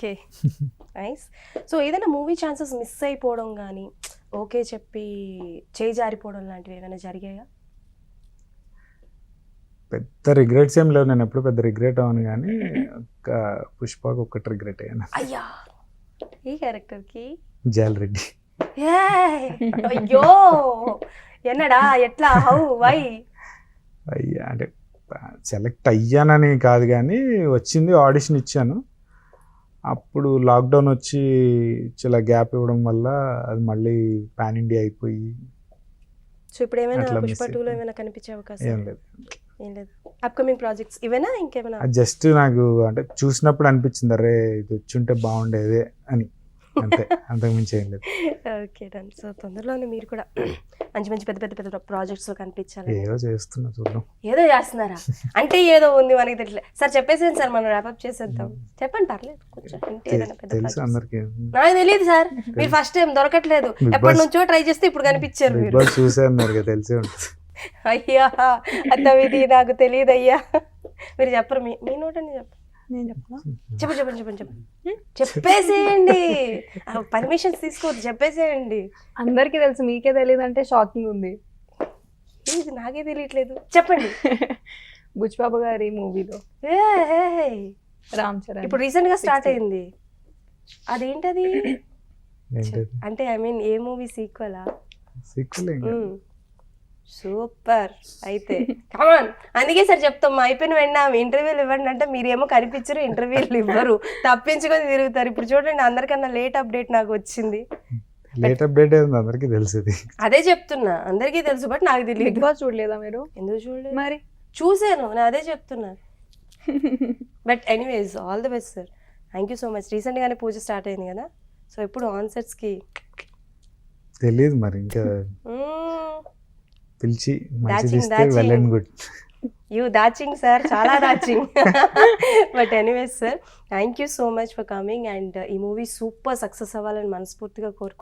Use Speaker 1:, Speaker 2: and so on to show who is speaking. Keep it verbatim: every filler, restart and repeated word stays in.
Speaker 1: Okay, nice. So ఏదైనా movie chances miss అయిపోవడం కానీ, ఓకే చెప్పి చేయి జారిపోవడం లాంటివి ఏమైనా జరిగాయా?
Speaker 2: పెద్ద రిగ్రెట్స్ ఏం లేవు, నేను ఎప్పుడు పెద్ద రిగ్రెట్ అవ్వను, కానీ ఒక పుష్పకు ఒక్కటి రిగ్రెట్ అయ్యాను.
Speaker 1: అయ్యా, ఈ క్యారెక్టర్కి
Speaker 2: జాల్ రెడ్డి.
Speaker 1: ఏయ్! అయ్యో, ఎన్నడా, ఎట్లా, హౌ, వై?
Speaker 2: అయ్యా అంటే సెలెక్ట్ అయ్యానని కాదు, కానీ వచ్చింది, ఆడిషన్ ఇచ్చాను. అప్పుడు లాక్డౌన్ వచ్చి చాలా గ్యాప్ ఇవ్వడం వల్ల అది మళ్ళీ పాన్ ఇండియా అయిపోయి
Speaker 1: సో ఇప్పుడు ఏమైనా
Speaker 2: అట్లా
Speaker 1: పుష్ప
Speaker 2: miss
Speaker 1: టూలో
Speaker 2: అయిపోయింది.
Speaker 1: ఏమైనా కనిపించే అవకాశం?
Speaker 2: ఏం లేదు.
Speaker 1: ఏం లేదు. అప్కమింగ్ ప్రాజెక్ట్స్ ఇవేనా ఇంకేమైనా?
Speaker 2: అది జస్ట్ నాకు అంటే చూసినప్పుడు అనిపించింది, అరే ఇది వచ్చుంటే బాగుండేదే అని, అంతే, అంతకు మించి ఏం లేదు.
Speaker 1: Okay done. సో తొందరలోనే మీరు కూడా మంచి మంచి పెద్ద పెద్ద పెద్ద ప్రాజెక్ట్స్ లో కనిపించాలి.
Speaker 2: ఏదో చేస్తున్నా, చూద్దాం.
Speaker 1: ఏదో చేస్తున్నారా అంటే ఏదో ఉంది మనకి తెలియదు సార్. చెప్పేసేయండి సార్, మనం ర్యాపప్ చేసేద్దాం. చెప్పండి, పర్లేదు, కొంచెం ఇంటే ఏదైనా పెద్ద
Speaker 2: తెలుసు
Speaker 1: projects.
Speaker 2: అందరికి.
Speaker 1: నాకు తెలియదు సార్, మీరు ఫస్ట్ టైం దొరకట్లేదు,
Speaker 2: Big
Speaker 1: ఎప్పటి
Speaker 2: Boss-
Speaker 1: నుంచో ట్రై చేస్తే ఇప్పుడు కనిపించారు
Speaker 2: బిగ్
Speaker 1: మీరు.
Speaker 2: బాస్ చూసాను మీరు, తెలిసే ఉంటుంది.
Speaker 1: అయ్యా అత్తవిది నాకు తెలియదు అయ్యా. మీరు చెప్పరు, మీ మీ నోటని చెప్పు.
Speaker 3: నేను చెప్పనా?
Speaker 1: చెప్పండి చెప్పండి చెప్పండి చెప్పండి చెప్పేసేయండి. పర్మిషన్స్ తీసుకోవద్దు, చెప్పేసేయండి.
Speaker 3: అందరికీ తెలుసు, మీకే తెలియదు అంటే షాకింగ్ ఉంది.
Speaker 1: ఇది నాకే తెలియట్లేదు, చెప్పండి.
Speaker 3: బుచ్చిబాబు గారి మూవీలో
Speaker 1: ఏయ్,
Speaker 3: రామ్ చరణ్
Speaker 1: ఇప్పుడు రీసెంట్ గా స్టార్ట్ అయింది, అదేంటది?
Speaker 2: ఏంటది?
Speaker 1: అంటే ఐ మీన్ ఏ మూవీ సీక్వెలా?
Speaker 2: సిక్కులు ఇంకా.
Speaker 1: సూపర్. అయితే కమాన్, అందుకే సార్ చెప్తాం, అయిపోయిన వెంటనే ఇంటర్వ్యూలు ఇవ్వండి అంటే మీరేమో కనిపించరు, ఇంటర్వ్యూలు ఇవ్వరు, తప్పించుకొని తిరుగుతారు. ఇప్పుడు చూడండి, అందరికన్నా లేట్ అప్డేట్ నాకు వచ్చింది.
Speaker 2: లేట్ అప్డేట్ ఉంది, అందరికీ తెలిసింది.
Speaker 1: అదే చెప్తున్నా, అందరికీ తెలుసు, బట్ నాకు
Speaker 3: బిగ్
Speaker 1: తెలియదు.
Speaker 3: బాస్ చూడలేదా మీరు?
Speaker 1: ఎందుకు చూడలేదు?
Speaker 3: మరి
Speaker 1: చూసాను, నేను అదే చెప్తున్నా. But anyways, all the best sir. Thank you so much. రీసెంట్గానే పూజ స్టార్ట్ అయింది కదా, సో ఎప్పుడు ఆన్సెట్స్కి
Speaker 2: తెలియదు మరి, ఇంకా పిలిచి మంచి
Speaker 1: Daching,
Speaker 2: తీస్తే
Speaker 1: daching.
Speaker 2: Well and good.
Speaker 1: You dashing sir, చాలా dashing. But anyways sir, thank you so much for coming, and ఈ మూవీ సూపర్ సక్సెస్ అవ్వాలని మనస్ఫూర్తిగా కోరుకుంటున్నాను.